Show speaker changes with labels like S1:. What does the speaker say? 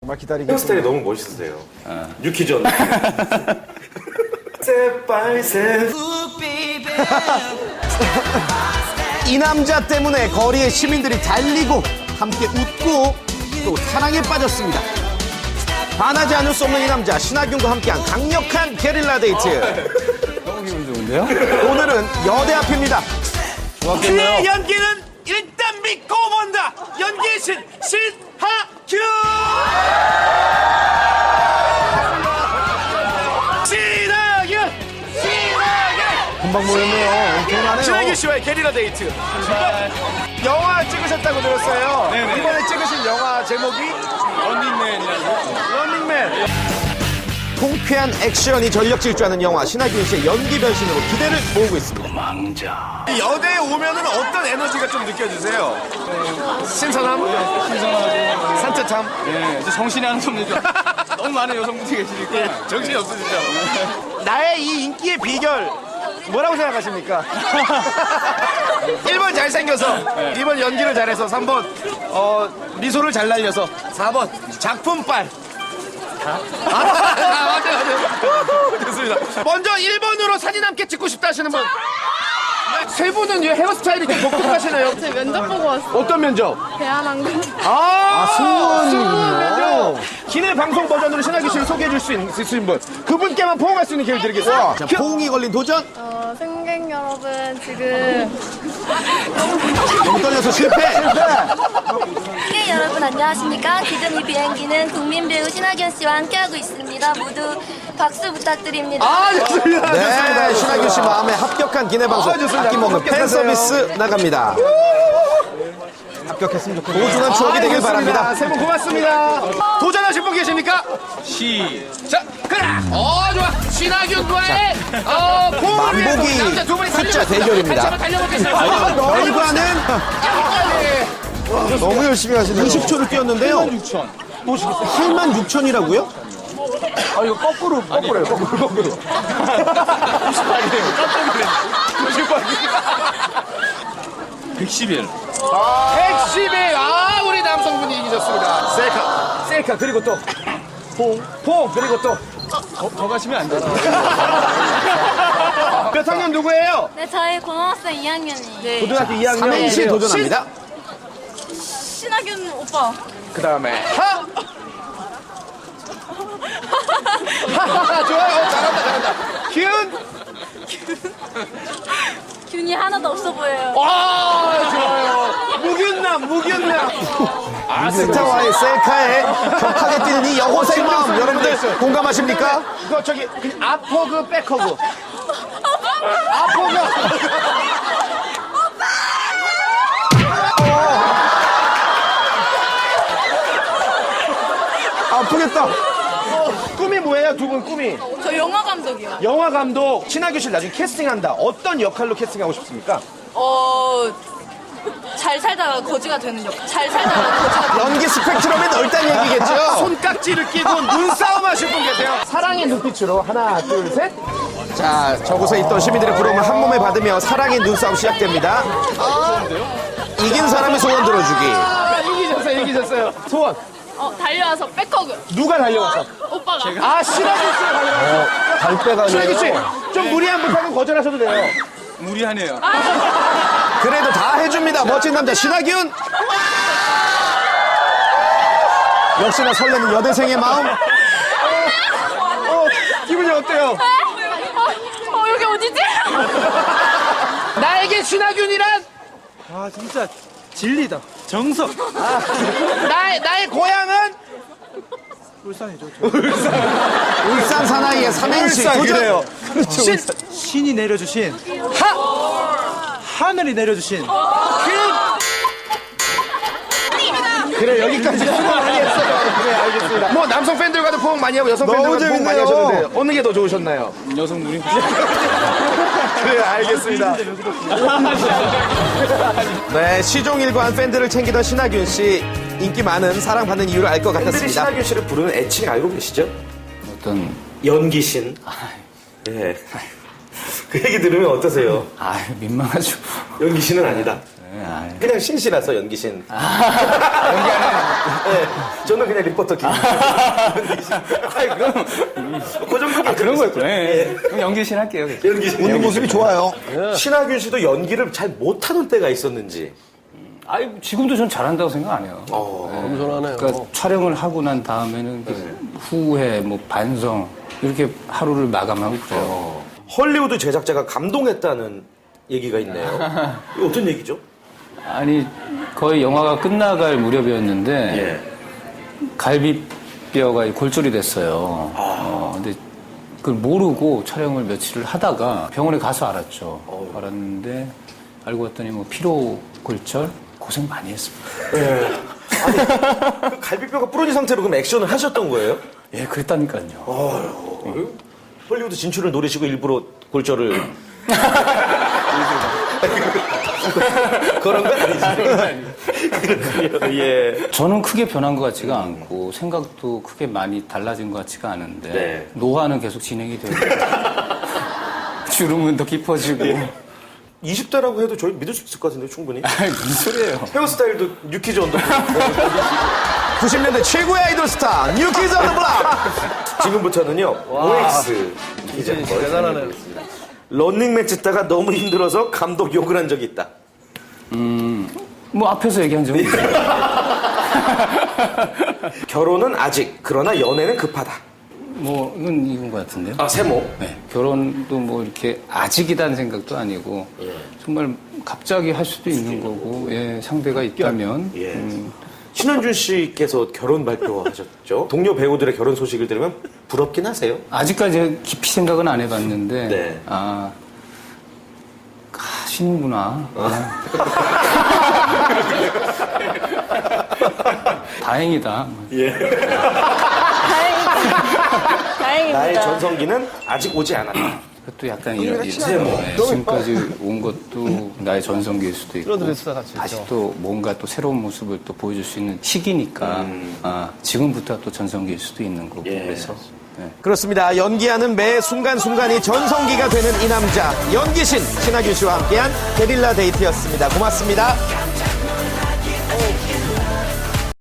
S1: 정말 기다리겠습니다.
S2: 스타일이 너무 멋있으세요. 유키전. 새빨새.
S1: 이 남자 때문에 거리의 시민들이 달리고 함께 웃고 또 사랑에 빠졌습니다. 반하지 않을 수 없는 이 남자 신하균과 함께한 강력한 게릴라 데이트.
S3: 너무 기분 좋은데요?
S1: 오늘은 여대 앞입니다.
S3: 좋았겠네요.
S1: 연기는 일단 믿고 본다. 연기의 신 신하균. 신하균. 금방 모였네요. 엄청나네요. 신하균 씨와의 게릴라 데이트. 영화 찍으셨다고 들었어요.
S3: 네네.
S1: 이번에 찍으신 영화 제목이
S3: 런닝맨이라고.
S1: 런닝맨. 통쾌한 액션이 전력 질주하는 영화 신하균 씨의 연기 변신으로 기대를 모으고 있습니다.
S3: 망자.
S1: 여대에 오면은 어떤 에너지가 좀 느껴지세요? 신선함?
S3: 신선하고.
S1: 산뜻함?
S3: 네, 이제 정신이 하나도 없는 줄. 너무 많은 여성분들이 계시니까.
S1: 정신이 없으시죠? 나의 이 인기의 비결 뭐라고 생각하십니까? 1번 잘생겨서, 2번 연기를 잘해서, 3번 미소를 잘 날려서, 4번 작품빨. 맞아요. 좋습니다. 먼저 1번으로 사진 함께 찍고 싶다 하시는 분. 세 분은 헤어스타일이 좀 독특하시네요.
S4: 제 면접 보고 왔어요.
S1: 어떤 면접?
S4: 대한항공.
S1: 승무원 면접. 기내 방송 버전으로 신하균 씨를 소개해 줄 수 있으신 분. 그분께만 포옹할 수 있는 기회를 드리겠습니다. 자, 포옹이 걸린 도전.
S4: 승객 여러분, 지금
S1: 너무 떨려서 실패.
S5: 승객 여러분 안녕하십니까? 지금 이 비행기는 국민 배우 신하균 씨와 함께하고 있습니다. 모두 박수 부탁드립니다.
S1: 좋습니다.
S6: 네, 신하균 씨 마음에 합격한 기내방송
S1: 좋습니다.
S6: 아낌없는 팬
S1: 합격하세요.
S6: 서비스 나갑니다. 합격했으면 좋겠네요. 소중한 추억이 되길
S1: 좋습니다.
S6: 바랍니다.
S1: 세 분 고맙습니다. 도전하실 분 계십니까? 자, 그래. 좋아. 신하균과의 포옹을 위해서
S6: 만보기
S1: 남자 두 분이
S6: 숫자
S1: 달려보겠습니다.
S6: 대결입니다.
S1: 같이 한번 달려보겠습니다.
S6: 결과는 너무 열심히 하시네요. 20초를 뛰었는데요. 8만 6천이라고요?
S1: 이거 거꾸로요. 거꾸로. 98이에요. 깜짝 놀랐네.
S3: 111.
S1: 110에 우리 남성분이 이기셨습니다. 셀카 그리고 또 포옹 그리고 또
S3: 더 가시면 안 돼요.
S1: 몇 학년 누구예요?
S5: 네, 저희 고등학생 2학년이에요.
S1: 고등학교 2학년
S6: 삼행시 도전합니다.
S5: 신하균 오빠.
S1: 그 다음에 좋아요. 잘한다.
S5: 균이 하나도 없어 보여요.
S1: 좋아요. 무균남.
S6: 스타와의 셀카에 격하게 뛰는 이 여고생 마음 여러분들 공감하십니까?
S1: 그거 저기 앞허그 백허그. 앞허그.
S6: 아프겠다.
S1: 꿈이 뭐예요? 두 분 꿈이?
S5: 저 영화 감독이요.
S1: 영화 감독 신하균 씨 나중에 캐스팅한다. 어떤 역할로 캐스팅하고 싶습니까?
S5: 잘 살다가 거지가 되는 역. 잘 살다가 거지가 되는
S6: 연기 스펙트럼이 넓다는 얘기겠죠?
S1: 손깍지를 끼고 눈싸움 하실 분 계세요. 사랑의 눈빛으로 하나, 둘, 셋.
S6: 자, 저곳에 있던 시민들의 부러움을 한 몸에 받으며 사랑의 눈싸움 시작됩니다. 이긴 사람이 소원 들어주기.
S1: 이기셨어요. 소원.
S5: 달려와서 백허그.
S1: 누가 달려왔어?
S5: 오빠가.
S1: 신하균 씨가 달려왔어.
S6: 달빼가
S1: 신하균 씨, 좀 무리한 부탁은 거절하셔도 돼요.
S3: 무리하네요.
S6: 그래도 다 해줍니다. 멋진 남자 신하균. 역시나 설레는 여대생의 마음.
S1: 기분이 어때요?
S5: 여기 어디지?
S1: 나에게 신하균이란
S3: 진짜 진리다. 정석.
S1: 나의 고향은
S6: 울산 사나이의 삼행시 도전.
S3: 신이 내려주신 하늘이 내려주신
S1: 그래 여기까지 수고 많이 했어요. 그래 알겠습니다. 뭐 남성 팬들과도 포옹 많이 하고 여성 팬들과도 포옹 많이
S6: 재밌네요.
S1: 하셨는데 어느 게 더 좋으셨나요?
S3: 여성분이.
S1: 그래 알겠습니다.
S6: 네, 시종일관 팬들을 챙기던 신하균 씨 인기 많은 사랑받는 이유를 알 것
S2: 팬들이
S6: 같았습니다.
S2: 신하균 씨를 부르는 애칭 알고 계시죠?
S3: 어떤
S2: 연기신. 예. 그 얘기 들으면 어떠세요?
S3: 민망하죠.
S2: 연기신은 아니다. 그냥 신씨라서 연기신.
S3: 연기하는.
S2: 네, 저는 그냥 리포터 김. 연기신. 아이, 그럼. 그 정도면
S3: 그런 거였구나. 예. 그럼 연기신 할게요.
S2: 연기신.
S6: 웃는 모습이 좋아요.
S2: 신하균 씨도 연기를 잘 못하는 때가 있었는지.
S3: 아니, 지금도 전 잘한다고 생각 안 해요.
S7: 겸손하네요.
S3: 그러니까 촬영을 하고 난 다음에는 후회, 뭐 반성, 이렇게 하루를 마감하고 그래요.
S2: 헐리우드 제작자가 감동했다는 얘기가 있네요. 이거 어떤 얘기죠?
S3: 아니, 거의 영화가 끝나갈 무렵이었는데,
S2: 예.
S3: 갈비뼈가 골절이 됐어요. 근데 그걸 모르고 촬영을 며칠을 하다가 병원에 가서 알았죠. 알았는데, 알고 봤더니 뭐 피로 골절? 고생 많이 했습니다.
S2: 예. 아니, 그 갈비뼈가 부러진 상태로 그럼 액션을 하셨던 거예요?
S3: 예, 그랬다니까요.
S2: 헐리우드 진출을 노리시고 일부러 골절을. 그런 건 아니지. 그렇군요. 예.
S3: 저는 크게 변한 것 같지가 않고 생각도 크게 많이 달라진 것 같지가 않은데
S2: 네.
S3: 노화는 계속 진행이 되고 주름은 더 깊어지고
S2: 20대라고 해도 저희 믿을 수 있을 것 같은데 충분히.
S3: 아니, 무슨 소리예요.
S2: 헤어스타일도 뉴키즈 언더.
S6: 90년대 최고의 아이돌 스타 뉴키즈 on the block.
S2: 지금부터는요. OX 기자
S7: 대단하네요.
S2: 런닝맨 찍다가 너무 힘들어서 감독 욕을 한 적이 있다.
S3: 뭐 앞에서 얘기한 적은 있어요.
S2: 결혼은 아직, 그러나 연애는 급하다.
S3: 뭐 이건 것 같은데요.
S2: 아, 세모.
S3: 네, 결혼도 뭐 이렇게 아직이라는 생각도 아니고 정말 갑자기 할 수도 있는 거고 예, 상대가 있다면
S2: 예. 신현준 씨께서 결혼 발표하셨죠. 동료 배우들의 결혼 소식을 들으면 부럽긴 하세요.
S3: 아직까지 깊이 생각은 안 해봤는데
S2: 네.
S3: 하시는구나. 다행이다.
S4: 다행입니다.
S2: 나의 전성기는 아직 오지 않았다.
S3: 또 약간 이런 지금까지 온 것도 나의 전성기일 수도 있고
S7: 드레스다 같이
S3: 다시 또 뭔가 또 새로운 모습을 또 보여줄 수 있는 시기니까 지금부터 또 전성기일 수도 있는 거고 그래서
S6: 그렇습니다. 연기하는 매 순간순간이 전성기가 되는 이 남자 연기신 신하균 씨와 함께한 게릴라 데이트였습니다. 고맙습니다.